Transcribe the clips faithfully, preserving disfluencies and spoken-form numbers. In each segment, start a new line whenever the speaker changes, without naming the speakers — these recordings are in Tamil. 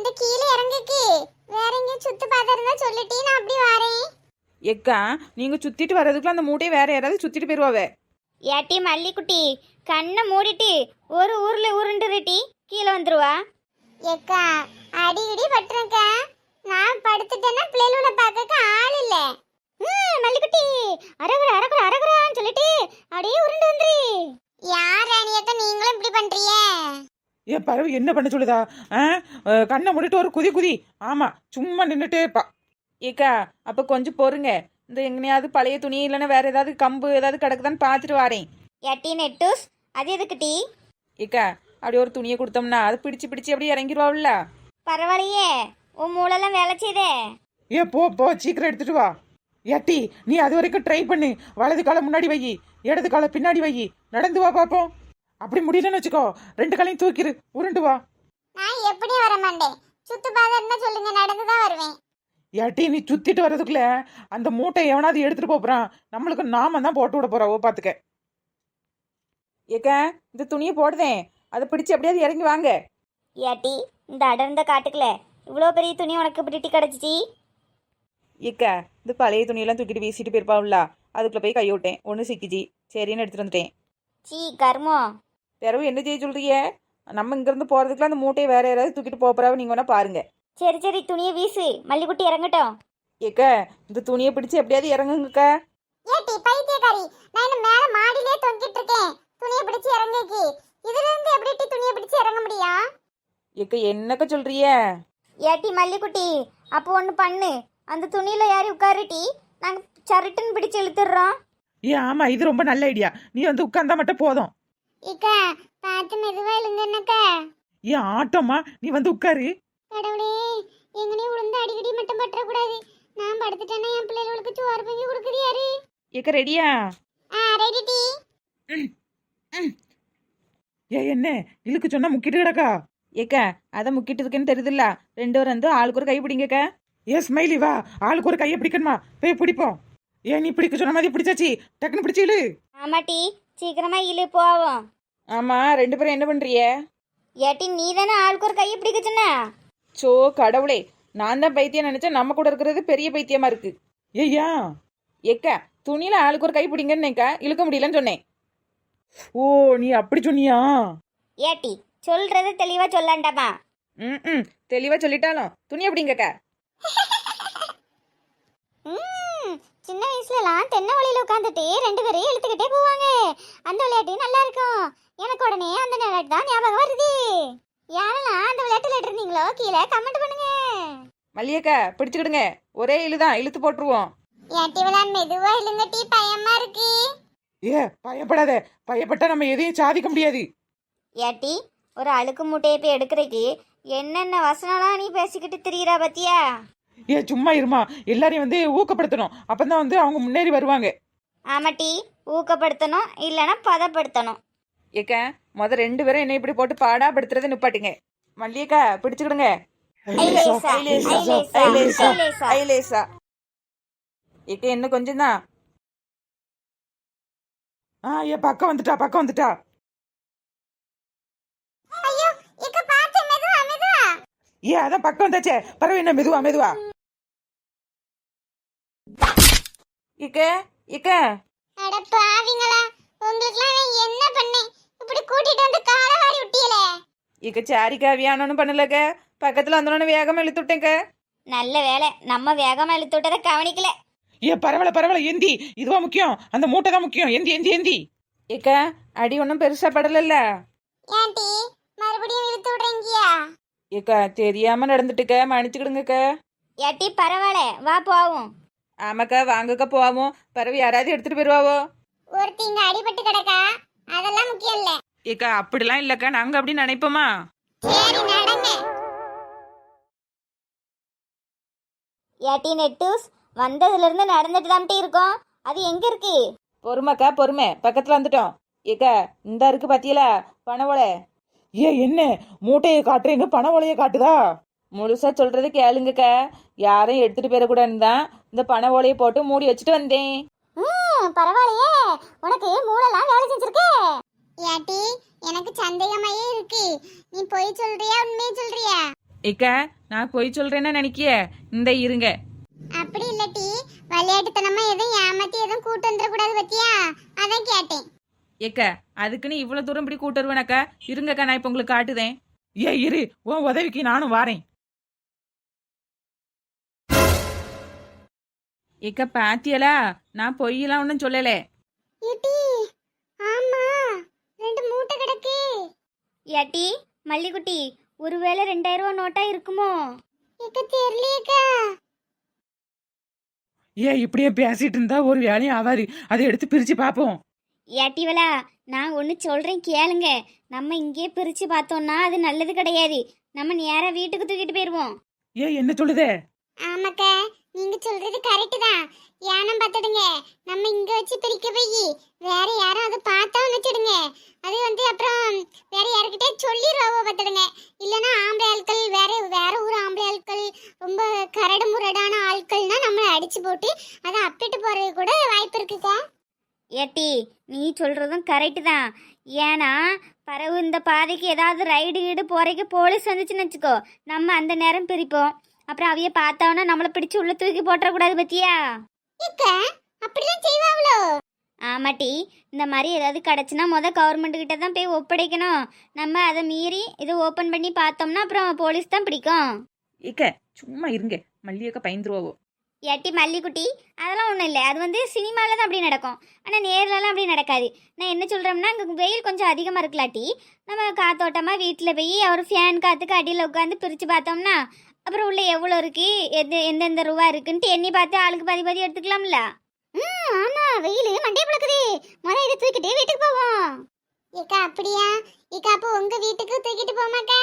இந்த கீழே இறங்குக்கு வேற எங்கேயும் சுத்து பார்த்தா சொல்லிட்டே நான் அப்படி வரேன்.
எக்கா நீங்க சுத்திட்டு வர்றதுக்குள்ள அந்த மூட்டையை வேற யாராவது சுத்திட்டு போயிருவாவே.
ஏட்டி மல்லிக்குட்டி கண்ணை மூடிட்டு ஒரு ஊர்ல உருண்டுருட்டி கீழே வந்துருவா.
ஏக்கா அடி இடி பட்டுறேக்கா. நான் படுத்துட்டேன்னா பிள்ளைகளோட பார்க்க ஆள் இல்ல.
ம் மல்லிக்குட்டி அரகுற அரகுற அரகுறான்னு சொல்லிட்டு அப்படியே உருண்டு வந்துரு.
யார் ராணியக்கா நீங்களும் இப்படி பண்றீங்க?
ஏன் பறவை என்ன பண்ண சொல்லுதா? ஆ கண்ணை மூடிட்டு ஒரு குதி குதி. ஆமா சும்மா நின்றுட்டே இருப்பா. ஏக்கா அப்ப கொஞ்சம் பொறுங்க. இந்த எங்கனையாவது பழைய துணி இல்லைன்னா வேற ஏதாவது கம்பு ஏதாவது கிடக்குதான்னு பார்த்துட்டு வரேன்.
ஏட்டி நெட்டூஸ் அது எதுக்குட்டி?
ஏக்கா அப்படி ஒரு துணியை கொடுத்தோம்னா அது பிடிச்சு பிடிச்சு அப்படியே இறங்கிடுவாள்ல.
பரவாயில்லையே உன் மூளெல்லாம் வேலை செய்தே.
ஏ போ போ சீக்கிரம் எடுத்துட்டு வா. ஏட்டி நீ அது வரைக்கும் ட்ரை பண்ணு. வலது காலை முன்னாடி வை, இடது காலை பின்னாடி வை. நடந்து வா பாப்போம். அப்படி முடியலன்னு வச்சுக்கோ ரெண்டு காலையும் தூக்கிடு உருண்டு வா.
நான் எப்படியும் வர மாட்டேன். சுத்து பார்த்தா சொல்லுங்க, நடந்துதான் வருவேன்.
ஏட்டி நீ சுத்திட்டு வர்றதுக்குள்ள அந்த மூட்டை எவனாவது எடுத்துட்டு போறான். நம்மளுக்கு நாம தான் போட்டு விட போறோம் பாத்துக்க. ஏக்கா இந்த துணியை போடுதேன், அதை பிடிச்சு எப்படியாவது இறங்கி வாங்க.
ஏட்டி இந்த அடர்ந்த காட்டுக்குல இவ்வளோ பெரிய துணி உனக்கு பிடிட்டி கிடச்சிச்சி?
ஏக்கா இந்த பழைய துணியெல்லாம் தூக்கிட்டு வீசிட்டு போயிருப்பாவுல, அதுக்குள்ள போய் கை விட்டேன், ஒன்று சிக்கிச்சு, சரின்னு எடுத்துட்டு வந்துட்டேன்.
சீ கர்மோ.
பிறகு என்ன செய்ய சொல்றிய? நம்ம இங்கிருந்து போறதுக்குள்ள அந்த மூட்டையை வேற யாராவது தூக்கிட்டு போறாவ, நீங்க வேணா பாருங்க.
சரி சரி துணியை வீசு, மல்லிக்குட்டி இறங்கட்டும்.
ஏக்கா இந்த துணியை பிடிச்சு எப்படியாவது இறங்குங்கக்கா.
ஏட்டி பைத்தியக்காரி, நான் இன்னும் மேல மாடியிலே தொங்கிட்டு இருக்கேன். துணியை பிடிச்சு இறங்குக்கு. இதுல இருந்து எப்படி டி துணியை பிடிச்சு இறங்க முடியும்?
ஏக்கா என்னக்கா சொல்றிய?
ஏட்டி மல்லிக்குட்டி அப்போ ஒன்று பண்ணு, அந்த துணியில் யாரும் உட்காருட்டி, நாங்கள் சருட்டுன்னு பிடிச்சு இழுத்துடுறோம்.
ஏ ஆமா இது ரொம்ப நல்ல ஐடியா. நீ வந்து உட்கார்ந்தா மட்டும் போதும்.
இக்கா பார்த்து மெதுவா இல்லைங்கன்னாக்கா.
ஏன் ஆட்டோமா நீ வந்து உட்காரு.
கடவுளே, எங்கனையும் விழுந்து அடிக்கடி மட்டும் பற்றக்கூடாது. நான் படுத்துட்டேன்னா என் பிள்ளைகளுக்கு சோறு பங்கி கொடுக்குது யாரு?
ஏக்கா ரெடியா?
ஆ ரெடி டி.
ஏ என்ன இழுக்கு சொன்னா முக்கிட்டு கிடக்கா? ஏக்கா அதை முக்கிட்டு இருக்குன்னு தெரியுதுல்ல, ரெண்டு பேரும் வந்து ஆளுக்கு ஒரு கை பிடிங்கக்கா. ஏ ஸ்மைலி வா, ஆளுக்கு ஒரு கையை பிடிக்கணுமா, போய் பிடிப்போம். ஏன் நீ பிடிக்க சொன்ன மாதிரி பிடிச்சாச்சு, டக்குன்னு பிடிச்சி இழு.
ஆமாட்டி சீக்கிரமா இழு போவோம்.
ஆமா ரெண்டு பேரும் என்ன பண்றிய?
ஏட்டி நீ தானே ஆளுக்கு ஒரு கையை பிடிக்க சொன்ன.
சோ கடவுளே, நான் தான் பைத்தியம் நினைச்சேன், நம்ம கூட இருக்கிறது பெரிய பைத்தியமா இருக்கு. ஏய்யா ஏக்கா துணியில ஆளுக்கு ஒரு கை பிடிங்கன்னேக்கா, இழுக்க முடியலன்னு சொன்னேன். ஓ நீ அப்படி சொன்னியா?
ஏட்டி சொல்றது தெளிவா சொல்லாண்டாமா?
ம் ம் தெளிவா சொல்லிட்டாலும் துணி அப்படிங்கக்கா.
ம் சின்ன வயசுலலாம் தென்னை வழியில உட்காந்துட்டு ரெண்டு பேரையும் இழுத்துக்கிட்டே போவாங்க. அந்த விளையாட்டு நல்லா இருக்கும். எனக்கு உடனே அந்த விளையாட்டு தான் ஞாபகம் வருது. யாரெல்லாம் அந்த விளையாட்டுல இருந்தீங்களோ கீழே கமெண்ட் பண்ணுங்க.
மல்லியக்கா பிடிச்சுக்கிடுங்க, ஒரே இழுதான் இழுத்து போட்டுருவோம்.
ஏட்டி விளான் மெதுவா இல்லைங்க டி, பயமா இருக்கு.
ஏ பயப்படாத, பயப்பட்டா நம்ம எதையும் சாதிக்க முடியாது.
ஏட்டி ஒரு அழுக்கு மூட்டையை போய் எடுக்கிறதுக்கு என்னென்ன வசனம்லாம் நீ பேசிக்கிட்டு திரியிறா பத்தியா?
ஏ சும்மா இருமா, எல்லாரையும் வந்து ஊக்கப்படுத்தணும், அப்பதான் வந்து அவங்க முன்னேறி வருவாங்க.
ஆமாட்டி ஊக்கப்படுத்தணும் இல்லைன்னா பதப்படுத்தணும்.
ஏக்கா முத ரெண்டு பேரும் என்ன இப்படி போட்டு பாடா படுத்துறதை நிப்பாட்டுங்க. மல்லியக்கா பிடிச்சுக்கிடுங்க.
ஐலேசா, ஐலேசா, ஐலேசா.
ஐலேசா. ஏக்கா என்ன கொஞ்சம் தான். ஆ ஏ பக்கம் வந்துட்டா பக்கம் வந்துட்டா.
ஐயோ இக்க பாத்து மெதுவா மெதுவா.
ஏ அதான் பக்கம் வந்தாச்சே, பரவாயில்ல என்ன மெதுவா மெதுவா. இக்க இக்க
அட பாவிங்களா, உங்களுக்குலாம் நான் என்ன பண்ணேன்? இப்படி கூட்டிட்டு வந்து காலை வாரி விட்டீங்களே.
இக்க சாரிக்கா வியானோன்னு பண்ணலக்க, பக்கத்துல வந்தோன்னு வேகமா இழுத்து விட்டேங்க.
நல்ல வேலை நம்ம வேகமா இழுத்து விட்டதை கவனிக்கல.
ஏ பரவாயில்ல பரவாயில்ல, எந்தி இதுவா முக்கியம், அந்த மூட்டை தான் முக்கியம். எந்தி எந்தி எந்தி. ஏக்கா அடி ஒன்றும் பெருசா படலல்ல.
ஏன்டி மறுபடியும் இழுத்து விடுறீங்கயா?
ஏக்கா தெரியாம நடந்துட்டுக்க, மன்னிச்சுக்கிடுங்கக்க.
ஏட்டி பரவாயில்ல வா போவோம்.
ஆமாக்கா வாங்கக்கா போவோம், பரவாயில்ல யாராவது எடுத்துட்டு போயிருவாவோ.
ஒருத்தி இங்க அடிபட்டு கிடக்கா, அதெல்லாம் முக்கியம் இல்ல.
ஏக்கா அப்படிலாம் இல்லக்கா, நாங்க அப்படி நினைப்போமா?
சரி நடங்க.
ஏட்டி நெட்டூஸ் வந்ததுல இருந்து நடந்துட்டு தான்ட்டு இருக்கோம், அது எங்க இருக்கு?
பொறுமைக்கா பொறுமை, பக்கத்துல வந்துட்டோம். ஏக்கா இந்த இருக்கு பாத்தியலா பண ஓலை. ஏ என்ன மூட்டையை காட்டுறேன்னு பண ஓலையை காட்டுதா? முழுசா சொல்றது கேளுங்கக்கா, யாரையும் எடுத்துட்டு போயிடக்கூடாதுன்னு தான் இந்த பண ஓலையை போட்டு மூடி வச்சுட்டு வந்தேன்.
ம் பரவாயில்லையே, உனக்கு மூளைலாம் வேலை செஞ்சிருக்கே.
ஏட்டி எனக்கு சந்தேகமாயே இருக்கு. நீ போய் சொல்றியா உண்மையை சொல்றியா?
ஏக்கா நான் பொய் சொல்றேன்னா நினைக்கிய இந்த இருங்க.
அப்படி இல்லட்டி விளையாட்டுத்தனமா எதுவும் ஏமாத்தி எதுவும் கூட்டு வந்துடக்கூடாது பத்தியா, அதான் கேட்டேன்.
ஏக்க அதுக்குன்னு இவ்வளவு தூரம் இப்படி கூட்டு வருவேனாக்கா? இருங்கக்கா, நான் இப்ப உங்களுக்கு காட்டுதேன். ஏ இரு, உன் உதவிக்கு நானும் வாரேன். ஏக்க பாத்தியலா, நான் பொய்யெல்லாம் ஒன்றும் சொல்லல.
ஏட்டி ஆமா ரெண்டு மூட்டை கிடக்கு.
ஏட்டி மல்லிகுட்டி, ஒருவேளை ரெண்டாயிரம் ரூபா நோட்டா இருக்குமோ?
இக்க தெரியலையேக்கா.
ஏ இப்படியே பேசிட்டு இருந்தா ஒரு வேலையும் ஆவாது. அதை எடுத்து பிரிச்சு பார்ப்போம்.
ஏட்டிவலா, நான் ஒன்று சொல்கிறேன் கேளுங்க. நம்ம இங்கேயே பிரித்து பார்த்தோம்னா அது நல்லது கிடையாது. நம்ம நேராக வீட்டுக்கு தூக்கிட்டு போயிடுவோம்.
ஏ என்ன சொல்லுதே?
ஆமாக்கா, நீங்க சொல்றது கரெக்ட் தான். ஏனம் பார்த்துடுங்க, நம்ம இங்க வச்சு பிரிக்க போய் வேற யாரும் அதை பார்த்தா வச்சுடுங்க. அது வந்து அப்புறம் வேற யாருக்கிட்டே சொல்லிடுவோம் பார்த்துடுங்க. இல்லைன்னா ஆம்பளை ஆட்கள் வேற வேற ஊர் ஆம்பளை ஆட்கள் ரொம்ப கரடு முரடான ஆட்கள்னா நம்மளை அடிச்சு போட்டு அதை அப்பிட்டு போறது கூட வாய்ப்பு இருக்குக்கா.
ஏட்டி நீ சொல்கிறதும் கரெக்டு தான். ஏன்னா பறவு இந்த பாதைக்கு ஏதாவது ரைடு கீடு போகிறக்கு போலீஸ் வந்துச்சுன்னு வச்சுக்கோ, நம்ம அந்த நேரம் பிரிப்போம். அப்புறம் அவைய பார்த்தோன்னா நம்மளை பிடிச்சி உள்ள தூக்கி போட்டுறக்கூடாது பத்தியா?
இக்கா அப்படிதான் செய்வாங்களோ?
ஆமாட்டி, இந்த மாதிரி ஏதாவது கிடச்சுன்னா மொதல் கவர்மெண்ட் கிட்ட தான் போய் ஒப்படைக்கணும். நம்ம அதை மீறி இதை ஓப்பன் பண்ணி பார்த்தோம்னா அப்புறம் போலீஸ் தான் பிடிக்கும்.
ஏக்க சும்மா இருங்க, மல்லியக்க பயந்துருவோம்.
ஏட்டி மல்லிக்குட்டி, அதெல்லாம் ஒன்றும் இல்லை. அது வந்து சினிமாவில் தான் அப்படி நடக்கும், ஆனால் நேர்லலாம் அப்படி நடக்காது. நான் என்ன சொல்கிறோம்னா, அங்கே வெயில் கொஞ்சம் அதிகமாக இருக்கலாட்டி நம்ம காத்தோட்டமாக வீட்டில் போய் அவர் ஃபேன் காற்றுக்கு அடியில் உட்காந்து பிரித்து பார்த்தோம்னா அப்புறம் உள்ள எவ்வளோ இருக்குது, எது எந்தெந்த ரூபா இருக்குன்ட்டு எண்ணி பார்த்து ஆளுக்கு பாதி பாதி எடுத்துக்கலாம்ல.
ம் ஆமா, வெயில் மண்டே பழக்குது. முதல்ல இதை தூக்கிட்டு வீட்டுக்கு போவோம். ஏக்கா அப்படியா? ஏக்கா அப்போ உங்க வீட்டுக்கு தூக்கிட்டு போமாக்கா?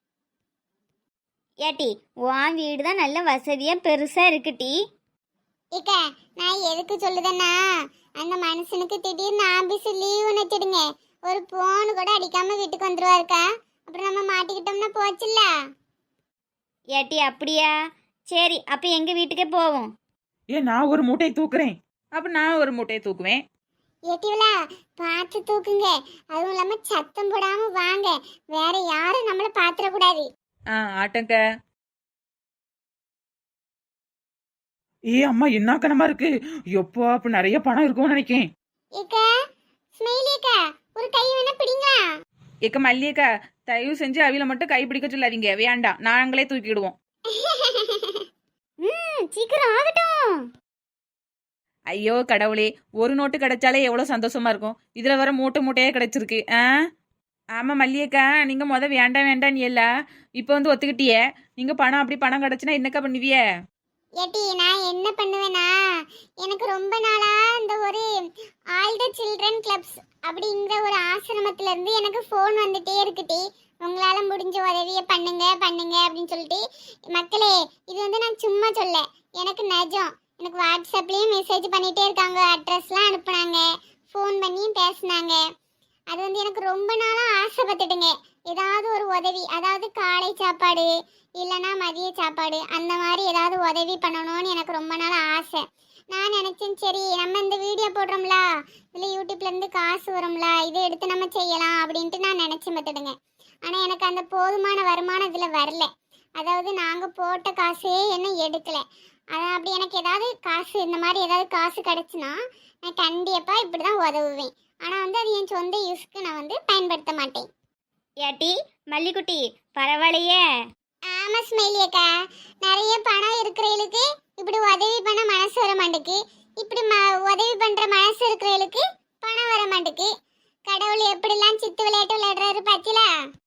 ஏட்டி உன் வீடு தான் நல்ல வசதியாக பெருசாக இருக்குட்டி.
ஏக்கா நான் எதுக்கு சொல்லுதேன்னா, அந்த மனுஷனுக்கு திடீர்னு ஆபீஸ் லீவு வச்சுடுங்க, ஒரு போன் கூட அடிக்காம வீட்டுக்கு வந்துருவாருக்கா. அப்புறம் நம்ம மாட்டிக்கிட்டோம்னா போச்சுல்ல.
ஏட்டி அப்படியா? சரி, அப்போ எங்கள் வீட்டுக்கே போவோம்.
ஏ நான் ஒரு மூட்டையை தூக்குறேன், அப்ப நான் ஒரு மூட்டையை தூக்குவேன்.
ஏட்டிவளா பார்த்து தூக்குங்க, அதுவும் இல்லாம சத்தம் போடாம வாங்க, வேற யாரும் நம்மள பாத்திரக்கூடாது.
ஆ ஆட்டங்க. ஏ அம்மா என்ன கனமா இருக்கு. எப்போ அப்ப நிறைய பணம் இருக்கும்னு நினைக்கேன்.
ஏக்கா ஸ்மைலியக்கா ஒரு கை வேணா பிடிங்களா?
ஏக்க மல்லியக்கா, தயவு செஞ்சு அவில மட்டும் கை பிடிக்க சொல்லாதீங்க, வேண்டாம், நாங்களே தூக்கிடுவோம்.
ம் சீக்கிரம் ஆகட்டும்.
ஐயோ கடவுளே, ஒரு நோட்டு கிடைச்சாலே எவ்வளோ சந்தோஷமா இருக்கும். இதுல வர மூட்டை மூட்டையே கிடைச்சிருக்கு. ஆ ஆமா மல்லியக்கா, நீங்க முத வேண்டாம் வேண்டாம் நீ எல்லாம் இப்போ வந்து ஒத்துக்கிட்டியே. நீங்க பணம் அப்படி பணம் கிடைச்சுன்னா என்னக்கா பண்ணுவிய?
ஏட்டி நான் என்ன பண்ணுவேன்னா, எனக்கு ரொம்ப நாளா இந்த ஒரு ஆல் த சில்ட்ரன் கிளப்ஸ் அப்படிங்கிற ஒரு ஆசிரமத்துல இருந்து எனக்கு ஃபோன் வந்துட்டே இருக்குட்டி. உங்களால முடிஞ்ச உதவியை பண்ணுங்க பண்ணுங்க அப்படின்னு சொல்லிட்டு. மக்களே, இது வந்து நான் சும்மா சொல்ல, எனக்கு நிஜம். எனக்கு வாட்ஸ்அப்லேயும் மெசேஜ் பண்ணிகிட்டே இருக்காங்க, அட்ரஸ்லாம் அனுப்புனாங்க, ஃபோன் பண்ணியும் பேசினாங்க. அது வந்து எனக்கு ரொம்ப நாளாக ஆசைப்பட்டுடுங்க, ஏதாவது ஒரு உதவி, அதாவது காலை சாப்பாடு இல்லைன்னா மதிய சாப்பாடு, அந்த மாதிரி ஏதாவது உதவி பண்ணணும்னு எனக்கு ரொம்ப நாள் ஆசை. நான் நினச்சேன், சரி நம்ம இந்த வீடியோ போடுறோம்ல, இதில் யூடியூப்லேருந்து காசு வரும்ல, இதை எடுத்து நம்ம செய்யலாம் அப்படின்ட்டு நான் நினச்சி பார்த்துடுங்க. ஆனால் எனக்கு அந்த போதுமான வருமானம் இதில் வரல. அதாவது நாங்கள் போட்ட காசே என்ன எடுக்கலை. அதான் அப்படி எனக்கு ஏதாவது காசு, இந்த மாதிரி ஏதாவது காசு கிடச்சுன்னா நான் கண்டிப்பாக இப்படி தான் உதவுவேன். ஆனால் வந்து அது என் சொந்த யூஸ்க்கு நான் வந்து பயன்படுத்த மாட்டேன்.
ஏட்டி மல்லிக்குட்டி, பரவாயில்லையே.
ஆமாம் ஸ்மைலியக்கா, நிறைய பணம் இருக்கிறவங்களுக்கு இப்படி உதவி பண்ண மனசு வர மாட்டேக்கு, இப்படி ம உதவி பண்ணுற மனசு இருக்கிறவங்களுக்கு பணம் வர மாட்டேக்கு. கடவுள் எப்படிலாம் சித்து விளையாட்டு விளையாடுறாரு பாத்தீங்களா?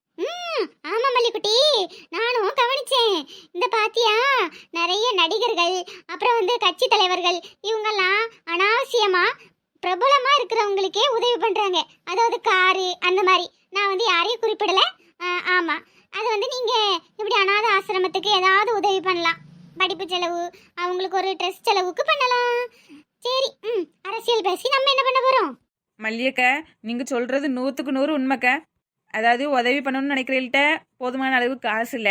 ம் ஆமா மல்லிக்குட்டி, நானும் கவனிச்சேன். இந்த பாத்தியா, நிறைய நடிகர்கள் அப்புறம் வந்து கட்சி தலைவர்கள் இவங்கெல்லாம் அனாவசியமா பிரபலமா இருக்கிறவங்களுக்கே உதவி பண்றாங்க. அதாவது காரு அந்த மாதிரி. நான் வந்து யாரையும் குறிப்பிடல. ஆமா, அது வந்து நீங்க இப்படி அனாதை ஆசிரமத்துக்கு ஏதாவது உதவி பண்ணலாம். படிப்பு செலவு, அவங்களுக்கு ஒரு ட்ரெஸ் செலவுக்கு பண்ணலாம். சரி, ம் அரசியல் பேசி நம்ம என்ன பண்ண போறோம்?
மல்லியக்கா, நீங்க சொல்றது நூற்றுக்கு நூறு உண்மைக்கா. அதாவது உதவி பண்ணணும்னு நினைக்கிறீள்கிட்ட போதுமான அளவு காசு இல்லை,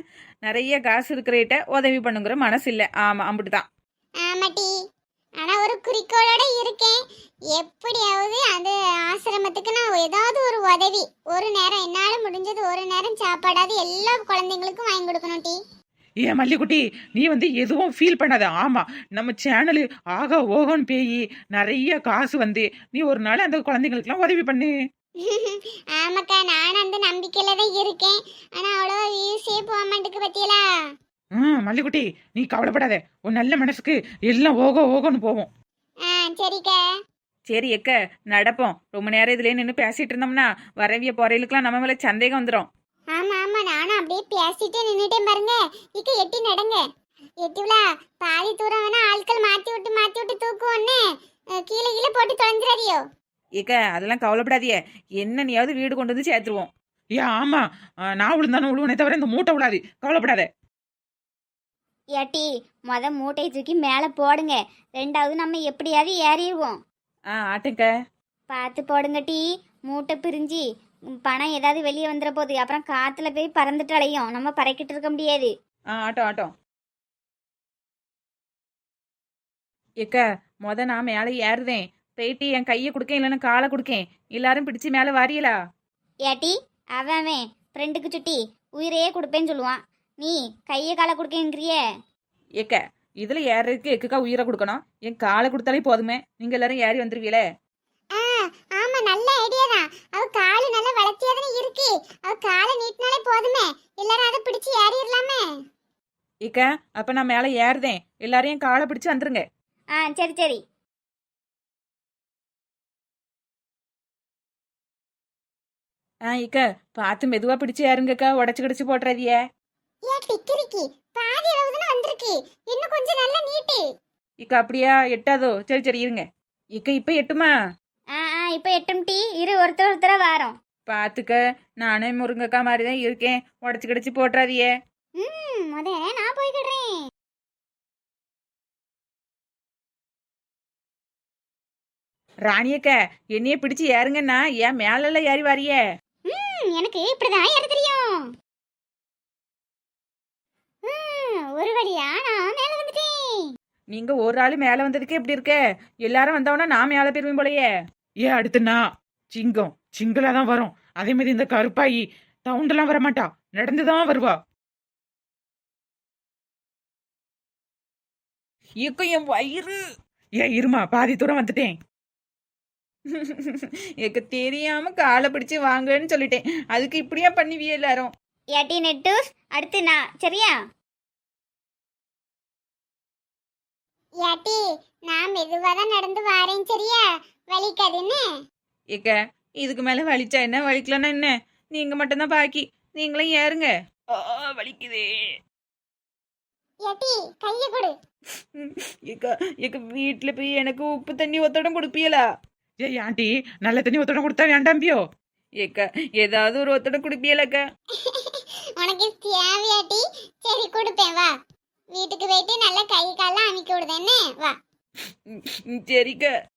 நிறைய காசு இருக்கிறகிட்ட உதவி பண்ணுங்கிற மனசு இல்லை. ஆமாம், அப்படிதான்.
ஆமாட்டி, ஆனால் ஒரு குறிக்கோளோட இருக்கேன். எப்படியாவது அந்த ஆசிரமத்துக்கு நான் ஏதாவது ஒரு உதவி, ஒரு நேரம் என்னால் முடிஞ்சது ஒரு நேரம் சாப்பாடாவது எல்லா குழந்தைங்களுக்கும் வாங்கி கொடுக்கணும் டி.
ஏன் மல்லிக்குட்டி நீ வந்து எதுவும் ஃபீல் பண்ணாத. ஆமா நம்ம சேனலு ஆகா ஓகோன்னு பேயி நிறைய காசு வந்து நீ ஒரு நாள் அந்த குழந்தைங்களுக்குலாம் உதவி பண்ணு.
ஆமாக்கா நானும் அந்த நம்பிக்கையில தான் இருக்கேன். ஆனா அவ்வளோ வியூஸே போக மாட்டேங்குது பத்தியலா.
ம் மல்லிக்குட்டி நீ கவலைப்படாத, உன் நல்ல மனசுக்கு எல்லாம் ஓகோ ஓகோன்னு போவோம்.
ஆ சரிக்கா.
சரி எக்க நடப்போம். ரொம்ப நேரம் இதுலயே நின்று பேசிட்டு இருந்தோம்னா வரவிய போறையிலுக்குலாம் நம்ம மேல சந்தேகம் வந்துடும்.
ஆமா ஆமா நானும் அப்படியே பேசிட்டே நின்னுட்டேன் பாருங்க. இக்க எட்டி நடங்க. எட்டிவிலா பாதி தூரம் வேணா ஆட்கள் மாத்தி விட்டு மாத்தி விட்டு தூக்குவோன்னு கீழே கீழே போட்டு தொலைஞ்சிடாதியோ.
ஏக்க அதெல்லாம் கவலைப்படாதியே, என்ன நீயாவது வீடு கொண்டு வந்து சேர்த்துருவோம். ஏ ஆமா நான் விழுந்தானு விழுவனே தவிர இந்த மூட்டை விடாது, கவலைப்படாத.
ஏட்டி மொத மூட்டையை தூக்கி மேலே போடுங்க, ரெண்டாவது நம்ம எப்படியாவது ஏறிடுவோம்.
ஆ ஆட்டுங்க.
பார்த்து போடுங்க டீ, மூட்டை பிரிஞ்சு ம், பணம் ஏதாவது வெளியே வந்துட போகுது, அப்புறம் காற்றுல போய் பறந்துட்டு அலையும், நம்ம பறக்கிட்டு இருக்க முடியாது.
ஆ ஆட்டம் ஆட்டம். ஏக்க மொத நான் மேலே ஏறுதேன், போயிட்டு என் கையை கொடுக்கேன் இல்லைன்னா காலை கொடுக்கேன், எல்லாரும் பிடிச்சு மேலே வாரியலா.
ஏட்டி அவன் அவன் ஃப்ரெண்டுக்கு சுட்டி உயிரையே கொடுப்பேன்னு சொல்லுவான், நீ கையை காலை கொடுக்கேங்கிறிய.
ஏக்க இதுல ஏறதுக்கு எக்குக்கா உயிரை கொடுக்கணும், என் காலை கொடுத்தாலே போதுமே, நீங்க எல்லாரும் ஏறி வந்துருவீங்களே.
ஆ ஆமா நல்ல ஐடியா தான். அவ காலு நல்லா வளர்த்தியா தானே இருக்கு. அவ காலை நீட்டினாலே போதுமே, எல்லாரும் அதை பிடிச்சு ஏறிடலாமே.
ஏக்க அப்ப நான் மேலே ஏறுதேன், எல்லாரும் என் காலை பிடிச்சு வந்துருங்க.
ஆ சரி சரி.
ஆ இக்க பார்த்து மெதுவா பிடிச்சு ஏறுங்கக்கா, உடச்சு கிடச்சு போட்டுறாதியே.
ஏன் டிக்கிரிக்கி பாதி அளவு தானே வந்திருக்கு, இன்னும் கொஞ்சம் நல்லா நீட்டு.
இக்க அப்படியா எட்டாதோ, சரி சரி இருங்க. இக்க இப்ப எட்டுமா?
ஆ ஆ இப்போ எட்டும் டீ இரு, ஒருத்தர் ஒருத்தர வாரோம்.
பாத்துக்க நானே முருங்கக்கா மாதிரி தான் இருக்கேன், உடச்சு கிடச்சு போட்டுறாதியே.
ம் முத நான் போய்கிடுறேன்.
ராணியக்க என்னைய பிடிச்சு ஏறுங்கன்னா ஏன் மேலெல்லாம் ஏறி வாரியே.
ம் எனக்கு இப்படிதான் ஏற தெரியும். ம் ஒரு வழியா நான் மேல வந்துட்டேன்.
நீங்க ஒரு ஆளு மேல வந்ததுக்கே இப்படி இருக்க, எல்லாரும் வந்தவனா நான் மேல போயிருவேன் போலயே. ஏ அடுத்துனா சிங்கம் சிங்களா தான் வரும், அதே மாதிரி இந்த கருப்பாயி தவுண்டெல்லாம் வரமாட்டா, நடந்துதான் வருவா. இயக்கம் என் வயிறு. ஏ இருமா பாதி தூரம் வந்துட்டேன். எனக்கு தெரியாம காலை பிடிச்சு வாங்கன்னு சொல்லிட்டேன், அதுக்கு இப்படியா பண்ணுவியே எல்லாரும்.
ஏட்டி நெட்டூஸ் அடுத்து நான், சரியா?
ஏட்டி நான் மெதுவா தான் நடந்து வாரேன் சரியா, வலிக்காதுன்னு.
ஏக்க இதுக்கு மேல வலிச்சா என்ன, வலிக்கலன்னா என்ன, நீங்க மட்டும்தான் பாக்கி, நீங்களும் ஏறுங்க. ஆ, வலிக்குதே.
ஏட்டி கைய கொடு.
ஏக்கா ஏக்க வீட்டுல போய் எனக்கு உப்பு தண்ணி ஒத்தடம் கொடுப்பீங்களா? ஏ ஆண்டி நல்ல தண்ணி ஒத்தடம் கொடுத்தா வேண்டாம்பியோ? ஏக்கா ஏதாவது ஒரு ஒத்தடம் குடிப்பீங்களாக்கா?
உனக்கு தேவையாட்டி? சரி கொடுப்பேன் வா. வீட்டுக்கு போயிட்டு நல்லா கை காலாம் அமைக்க விடுதேன்னு வா.
சரிக்கா.